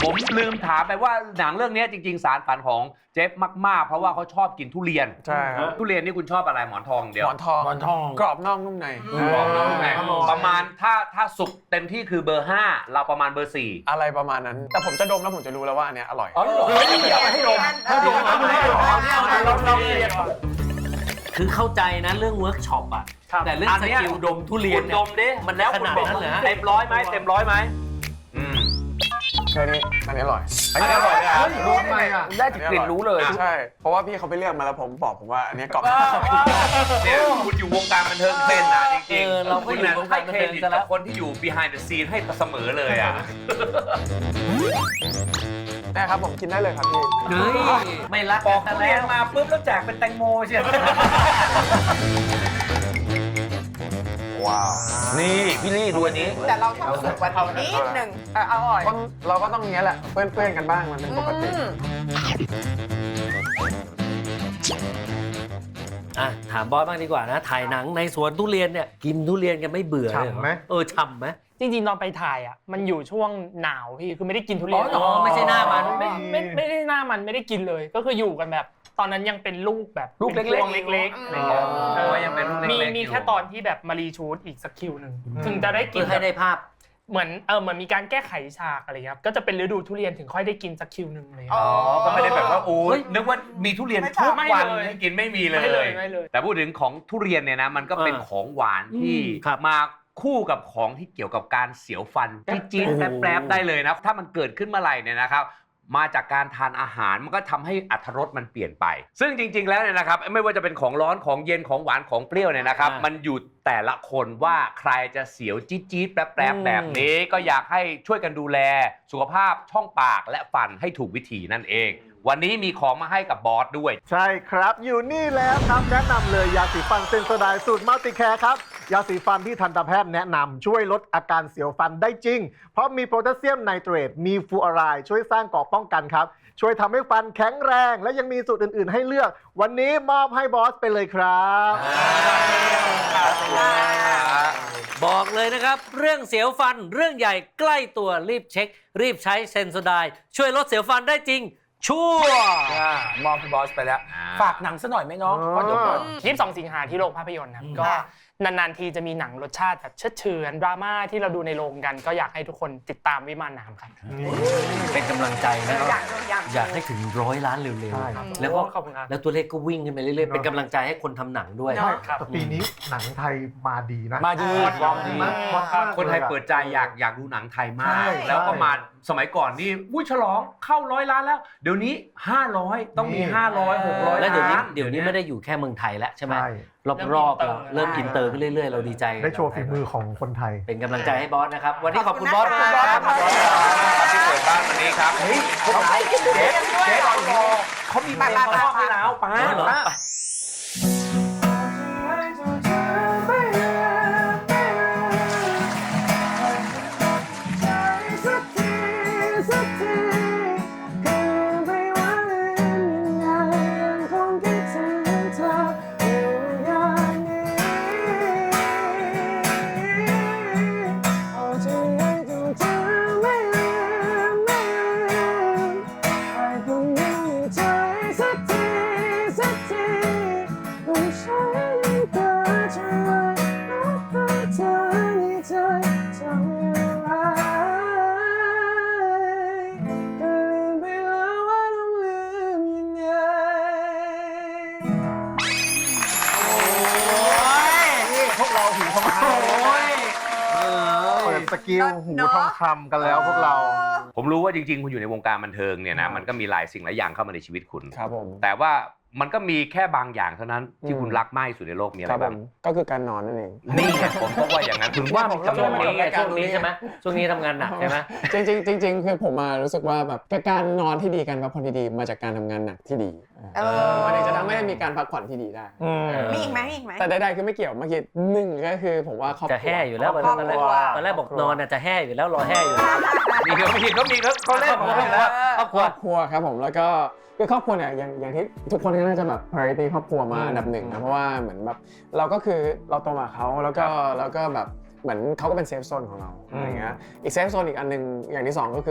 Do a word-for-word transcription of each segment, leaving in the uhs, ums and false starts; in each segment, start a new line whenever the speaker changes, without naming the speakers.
ผมลืมถามไปว่าหนังเรื่องนี้จริงๆสารฝันของเจฟมากๆเพราะว่าเขาชอบกินทุเรียน
ใช่ครับ
ทุเรียนนี่คุณชอบอะไรหมอนทองเดียว
หมอนทอง
หมอนทอง
กรอบนอกนุ่มใน
กรอบนอกนุ่มในประมาณถ้าถ้าสุกเต็มที่คือเบอร์ห้าเราประมาณเบอร์สี่
อะไรประมาณนั้นแต่ผมจะดมแล้วผมจะรู้แล้วว่าอันเนี้ยอร่อย
อ๋อเฮ้ยอยากให้ดมให้ดมให้ดมเราเราเรียน
คือเข้าใจนะเรื่องเวิร์กช็อปอะแต่เรื่องสกิลดมทุเรียน
คุณ
เนี่
ด
ย
มดิ
มันแล้วขนาดนั้นเหรอฮะ
เต็มร้อยไหมเต็มร้อยไหมอืม
แค่นี้อันนี้อร่อย
อันนี้อร่อยนะ
รู้ทำไมอ่ะได้กลิ่นรู้เลย
ใช่เพราะว่าพี่เขาไปเลือกมาแล้วผมบอกผมว่าอันนี้กรอบ
เนี่ยคุณอยู่วงการบันเทิงเป็นนะจริง
เออเราก็
คุณ
อยู่
น่ะ
วง
ให้
การบัน
เคร
เทิง
ดิต
ซะแล้
กับ
ว
คนที่อยู่ behind the scene ให้เสมอเลยอ่ะ
นะครับผมกินได้เลยครับพี่
เฮ้ยไม่รัก
ปอก
กัน
ทุ
แล้
เรียน
ว
มาปุ๊บแล้วแจกเป็นแตงโมเชียว
ว้าว
นี่พี่ลี่ดูอันนี้
แต่เราชอบสุกกว่านี้นิดหนึ่งเอออร่อย
คนเราก็ต้องอย่างเงี้ยแหละเพื่อนๆกันบ้างมันเป็นปกติ
อืม
อ่ะถามบอสบ้างดีกว่านะถ่ายหนังในสวนทุเรียนเนี่ยกินทุเรียนกันไม่เบื่อเลยเรอ
ฉ่ำไหม
เออฉ่ำไหม
จริงๆตอนไปถ่ายอ่ะมันอยู่ช่วงหนาวพี่คือไม่ได้กินทุเรียน
อ๋อไม่ใช่หน้ามัน
ไม่ไม่ไม่ได้หน้ามันไม่ได้กินเลย ก็คืออยู่กันแบบตอนนั้นยังเป็นลูกแบบ
ลูกเล็กๆ
ป็นพวงเล็กๆอะไรเงี้ย
อ๋อยังเป็นลูกเล็กๆ
มี
อยู่
มีแค่ตอนที่แบบมารีชูดอีกสักคิวหนึ่งถึงจะได้กิ
เพื่
น
อให้ได้ภาพ
เหมือนเออเหมือนมีการแก้ไขฉากอะไรครับก็จะเป็นฤดูทุเรียนถึงค่อยได้กินสักคิวหนึ่งเลย
อ๋อ
ก็ไม่ได้แบบว่าโอ้ยนึกว่ามีทุเรียนทุก
ไม่
วัน
เลย
ให้กินไม่มีเล
ไม่เลย
ย
ไม่เลย
แต่พูดถึงของทุเรียนเนี่ยนะมันก็เป็น
เออ
ของหวานที่
อืมครับ
มาคู่กับของที่เกี่ยวกับการเสียวฟันที่จี๊ด
โอ้โห
แป๊บๆได้เลยนะถ้ามันเกิดขึ้นเมื่อไหร่เนี่ยนะครับมาจากการทานอาหารมันก็ทำให้อรรถรสมันเปลี่ยนไป ซึ่งจริง ๆแล้วเนี่ยนะครับไม่ว่าจะเป็นของร้อนของเย็นของหวานของเปรี้ยวเนี่ยนะครับมันอยู่แต่ละคนว่าใครจะเสียวจี๊ดๆแป๊บๆแบบนี้ก็อยากให้ช่วยกันดูแลสุขภาพช่องปากและฟันให้ถูกวิธีนั่นเอง วันนี้มีของมาให้กับบอสด้วย
ใช่ครับอยู่นี่แล้วครับแนะนำเลยยาสีฟันเซนโซไดน์สูตรมัลติแคร์ครับยาสีฟันที่ทันตแพทย์แนะนำช่วยลดอาการเสียวฟันได้จริง เพราะมีโพแทสเซียมไนเตรตมีฟลูออไรด์ช่วยสร้างเกราะป้องกันครับช่วยทำให้ฟันแข็งแรงและยังมีสูตรอื่นๆให้เลือก วันนี้มอบให้บอสไปเลยครับ
บอกเลยนะครับ เรื่องเสียวฟันเรื่องใหญ่ใกล้ตัวรีบเช็ค รีบใช้เซนโซไดน์ช่วยลดเสียวฟันได้จริง ชัวร์
มอบให้บอสไปแล้ว ฝากหนังซะหน่อยไหมน้องเพราะเดี๋ยวก่อน
ยี่สิบสองสิงหาที่โรงภาพยนตร์ครับก็นานๆทีจะมีหนังรสชาติแบบเชิดเฉือนดราม่าที่เราดูในโรงกัน ก็อยากให้ทุกคนติดตามวิมานน้ำครับ
เป็นกำลังใจนะ
อยากอยาก
อยากให้ถึงร้อยล้านเร็ว
ใช่
ๆแล้วก็
ขอบคุณครับ
แล้วตัวเลขก็วิ่งขึ้นไปเรื่อยๆเป็นกำลังใจให้คนทำหนังด้วย
เนอะ
ครับ
แต่ปีนี้หนังไทยมาดีนะ
มาดี
ลองดี
มากมาก
คนไทยเปิดใจอยากอยากดูหนังไทยมา
ใช่
ก แล้วก็มาสมัยก่อนนี่อุ้ยฉลองเข้าร้อยล้านแล้ว เดี๋ยวนี้ห้าร้อยต้องมีห้าร้อย หกร้อย
แล้วเดี๋ยวนี้
ล้าน
เดี๋ยวนี้ไม่ได้อยู่แค่เมืองไทยแล้วใช่ไหม
ใช่
รอบๆเราเริ่มอินเตอร์ขึ้นเรื่อยๆ เราดีใจ
ได้โชว์ฝีมือของคนไทย
เป็นกำลังใจให้บอสนะครับ วันนี้ขอบคุณ
ข
บ
อ
อบ ส
คุณ
มาก
นะ
ครับ
ขอบคุณนะ
ที่เปิดบ้านวันนี้ครับ เฮ้ยพวกเรา
ไม่กินทุเรียนด้วย
เจ๊
เหรอ
รอเขามีเพลงมาชอบให้แล้วป้า
เอาเหรอ
ป้า
ไป
พวกเราหูทองคำเปิดสกิลหูทองคำกันแล้วพวกเรา
ผมรู้ว่าจริงๆ คุณอยู่ในวงการบันเทิงเนี่ยนะมันก็มีหลายสิ่งหลายอย่างเข้ามาในชีวิตคุณ
ครับผม
แต่ว่ามันก็มีแค่บางอย่างเท่านั้นที่คุณรักมากที่สุดในโลกมีอะ
ค
ไร
รับผ
บ้าง
มก็คือการนอนนั่นเอง
นี่ไงผมก็ว่าอย่างนั้นถึงว่ามี
ช่
จำน
ว
วน
ง
นี้
นี้ไงช่วงนี้ใช่ไหมช่วงนี้ทำงานหนักใช่ไหม
จริงๆจริงๆคือผมมารู้สึกว่าแบบการนอนที่ดีการพักผ่อนที่ดีมาจากการทำงานหนักที่ดี
เออ
มันถึงจะทำให้มีการพักผ่อนที่ดีได้
มีอีกไหมมีอีกไหม
แต่ใดๆคือไม่เกี่ยวเมื่อกี้หนึ่งก็คือผมว่าครอบครัว
จะแห่อยู่แล้วตอน
ครอบ
แร
ค
ก
รัว
ตอนแรกบอกนอนน่ะจะแห่อยู่แล้วรอแห่อยู่
นี่เขามีเขามีเขาเขาเล่นผมอยู่แล้ว
ครอบครัว
ครอบครัวครับผมแล้วก็คือครอบครัวเนี่ยอย่างอย่างที่ทุกคนก็น่าจะแบบ priority ครอบครัวมาอันดับหนึ่งนะเพราะว่าเหมือนแบบเราก็คือเราโตมากับเขาแล้วก็แล้วก็แบบเหมือนเขาก็เป็นเซฟโซนของเราอะไรเงี้ยอีกเซฟโซนอีกอันหนึ่งอย่างที่สองก็คือแบบ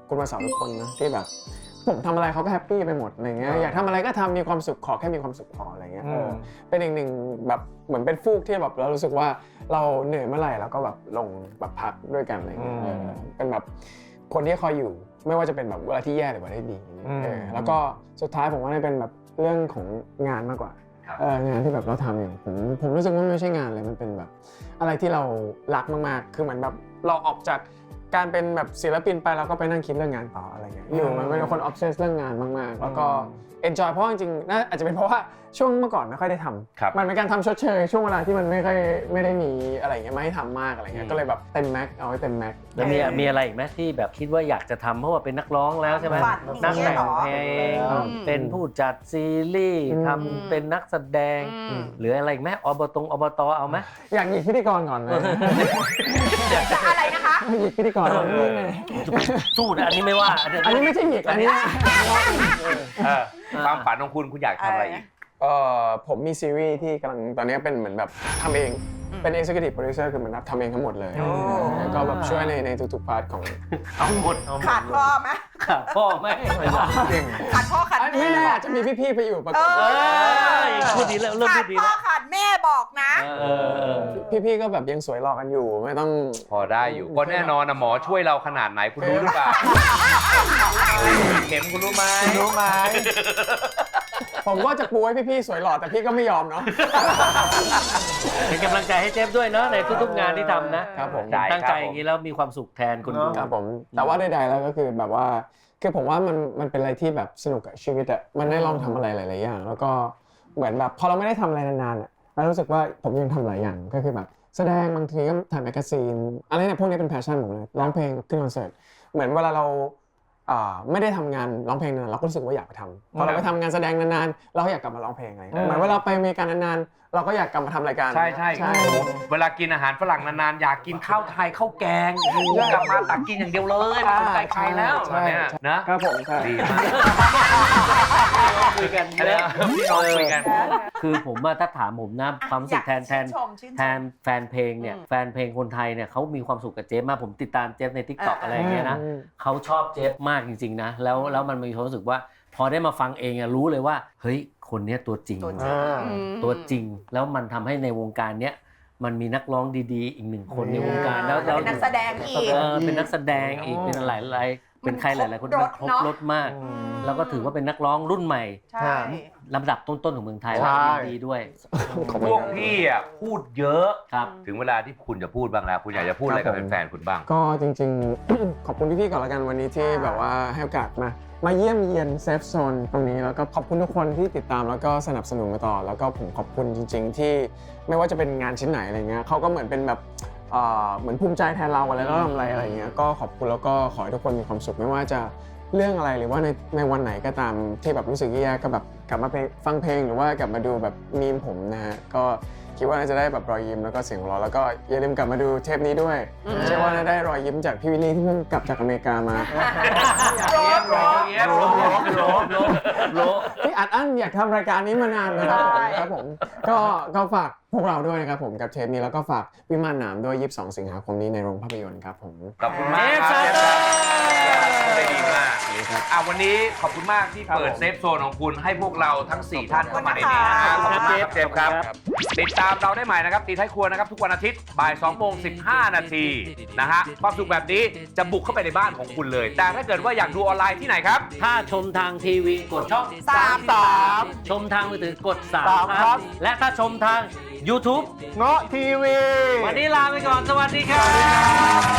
คุณมาสอนทุกคนนะที่แบบผมทำอะไรเขาก็แฮปปี้ไปหมดอะไรเงี้ยอยากทำอะไรก็ทำมีความสุขขอแค่มีความสุขพออะไรเงี้ยเออเป็นอีกหนึ่งแบบเหมือนเป็นฟูกที่แบบเรารู้สึกว่าเราเหนื่อยเมื่อไหร่เราก็แบบลงแบบพักด้วยกันอะไรเงี้ยเออเป็นแบบคนที่คอยอยู่ไม่ว่าจะเป็นแบบเวลาที่แย่หรือเวลาที่ดีเออแล้วก็สุดท้ายผมว่าเป็นแบบเรื่องของงานมากกว่าเอองานที่แบบเราทำอยู่ผมผมรู้สึกว่าไม่ใช่งานเลยมันเป็นแบบอะไรที่เรารักมากๆคือเหมือนแบบเราออกจากการเป็นแบบศิลปินไปเราก็ไปนั่งคิดเรื่องงานต่ออะไรเงี้ยอยู่มันเป็นคนออฟเซสเรื่องงานมากๆแล้วก็เอนจอยเพราะจริงๆน่าอาจจะเป็นเพราะว่าช่วงเมื่อก่อนไม่ค่อยได้ทำมันเป็นการทำชดเชยช่วงเวลาที่มันไม่ค่อยไม่ได้มีอะไรเงี้ยไม่ให้ทำมากอะไรเงี้ยก็เลยแบบเต็มแม็กเอาไว้เต็มแม็ก
แล้วมีมีอะไรอีกไหมที่แบบคิดว่าอยากจะทำเพราะว่าเป็นนักร้องแล้วใช่ไหมนักแต่งเพลงเป็นผู้จัดซีรีส์ทำเป็นนักแสดงหรืออะไรอีกไหมอบตงอบตเอาไหม
อยากหยิกพิธีกรก่อนเลย
จะอะไรนะคะ
หยิกพิธีกรนี่ไง
สู้นะอันนี้ไม่ว่า
อันนี้ไม่ใช่หยิกอันนี้
เออความฝันของคุณคุณอยากทำอะไรอีก
เอ่อผมมีซีรีส์ที่กำลังตอนนี้เป็นเหมือนแบบทำเองเป็น executive producer คือเหมือนแบบทำเองทั้งหมดเลยแล้วก็แบบช่วยในในทุกๆพาร์ทของ
เอาหมดเอาหมด
ขาดพ่อไหม
ขาดพ่อไหม
ขาดพ่อขาด
ไม่
แม่
แน่อาจจะมีพี่ๆไปอยู่ประก
เอ
อบ
เอ้
อย
พูดดีแล้วเริ่ม
ขา
พู
ด
ดดี
พ่อ
แล้ว
ขาดแม่บอกนะ
เออ
พี่ๆก็แบบยังสวยหล่อกันอยู่ไม่ต้อง
พอได้อยู่ก็แน่นอนนะหมอช่วยเราขนาดไหนคุณรู้หรือเปล่าเข็มคุณรู้ไหม
รู้ไหมผมก็จะปูให้พี่ๆสวยหล่อแต่พี่ก็ไม่ยอมเนาะ
เป็นกำลังใจให้เจฟด้วยเนาะในทุกๆงานที่ทำนะครับ
ผม
ตั้งใจอย่างนี้แล้วมีความสุขแทนคนดู
ครับผมแต่ว่าใดๆแล้วก็คือแบบว่าคือผมว่ามันมันเป็นอะไรที่แบบสนุกกับชีวิตอะมันได้ลองทำอะไรหลายๆอย่างแล้วก็เหมือนแบบพอเราไม่ได้ทำอะไรนานๆอะเรารู้สึกว่าผมยังทำหลายอย่างก็คือแบบแสดงบางทีก็ถ่ายแมกกาซีนอะไรเนี่ยพวกนี้เป็นแพชชั่นผมเลยร้องเพลงขึ้นคอนเสิร์ตเหมือนเวลาเราอ่าไม่ได้ทำงานร้องเพลงนานเราก็รู้สึกว่าอยากไปทำพอเราไปทำงานแสดงนานๆเราก็อยากกลับมาร้องเพลงอะไรเหมือนเวลาไปอเมริกานานๆเราก็อยากกลับมาทำรายการ
ใช่ใช่โอ้โหเวลากินอาหารฝรั่งนานๆอยากกินข้าวไทยข้าวแกงโอ้โหกลับมาตักกินอย่างเดียวเลยไม่สนใจใครแล้วแบบเนี้ยนะครับ
ผมใช่
ดีมาก
คุยกัน
อะไรนะพี่น้องคุยกัน
คือผมว่าถ้าถามผมนะความรู้สึกแทนแทน
ชื่ชมชื่นชม
แทนแฟนเพลงเนี่ย
อืม
แฟนเพลงคนไทยเนี่ยเขามีความสุขกับเจฟมากผมติดตามเจฟใน ทิกตอก อะไรอย่างเงี้ยนะ
อืม
เขาชอบเจฟมากจริงๆนะแล้วแล้วมันมีความรู้สึกว่าพอได้มาฟังเองอะรู้เลยว่าเฮ้ยคนเนี้ยตัวจริง
ตัวจริง อืม
ตัวจริงแล้วมันทำให้ในวงการเนี้ยมันมีนักร้องดีๆ อีกหนึ่งคนในวงการแล้วแล้ว
เป็นนักแสดงอีก
เออเป็นนักแสดงอีกเป็นหลายหลายๆเป็นใครหลายๆคน
มัน
มัน
ค
ค
ร
ร
บบ ร
ร
ส
ถ
เนอะ
มาก แล้วก็ถือว่าเป็นนักร้องรุ่นใหม่
ใช่
ลำดับต้นๆของเมืองไทย
ใช่
และยินดีด้วย
พวกพี่อ่ะพูดเยอะ
ครับ
ถึงเวลาที่คุณจะพูดบ้างแล้ว คุณอยากจะพูดอะไรกับแฟนๆคุณบ้าง
ก็จริงๆ ขอบคุณพี่ๆก่อนละกันวันนี้ที่แบบว่าให้โอกาสมามาเยี่ยมเยียนเซฟโซนตรงนี้แล้วก็ขอบคุณทุกคนที่ติดตามแล้วก็สนับสนุนมาต่อ แล้วก็ผมขอบคุณจริง ๆ ที่ไม่ว่าจะเป็นงานชิ้นไหนอะไรเงี้ยเขาก็เหมือนเป็นแบบเอ่อเหมือนภูมิใจแทนเราอะไรแล้วทำอะไรอะไรเงี้ยก็ขอบคุณแล้วก็ขอให้ทุกคนมีความสุขไม่ว่าจะเรื่องอะไรหรือว่าในในวันไหนก็ตามที่แบบรู้สึกแย่ๆก็แบบกลับมาเพลงฟังเพลงหรือว่ากลับมาดูแบบมีมผมนะฮะก็คิดว่าน่าจะได้แบบรอยยิ้มแล้วก็เสียงหัวเราะแล้วก็อย่าลืมกลับมาดูเทปนี้ด้วย เชื่อว่าน่าได้รอยยิ้มจากพี่วิลลี่ที่เพิ่งกลับจากอเมริกามา
โรบโรบโรบโรบโรบโรบโรบ
ที่อัดอั้นอยากทำรายการนี้มานานนะครับผมครับผมก็ก็ฝากพวกเราด้วยนะครับผมกับเทปนี้แล้วก็ฝากวิมานหนามด้วยยี่สิบสองสิงหาคมนี้ในโรงภาพยนตร์ครับผม
ขอบคุณมาก
เจฟ
ค
ซา
รับ
เตอร์
ได้ดีมากอ่ะวันนี้ขอบคุณมากที่เปิดเซฟโซนของคุณให้พวกเราทั้งสี่ท่านเข้ามาในนี้นะครับขอบคุณมากครับเจฟครับ ติดตามเราได้ใหม่นะครับตีท้ายครัวนะครับทุกวันอาทิตย์บ่ายสองโมงสิบห้านาทีนะฮะความสุขแบบนี้จะบุกเข้าไปในบ้านของคุณเลย แต่ถ้าเกิดว่าอยากดูออนไลน์ที่ไหนครับ
ถ้าชมทางทีวีกดช่อง
สามสาม
ชมทางมือถือกดสาม
สาม
ค
ครั
รับ
บ
และถ้าชมทาง YouTube
เงาะทีวี
วันนี้ลาไปก่อนสวัสดีครับ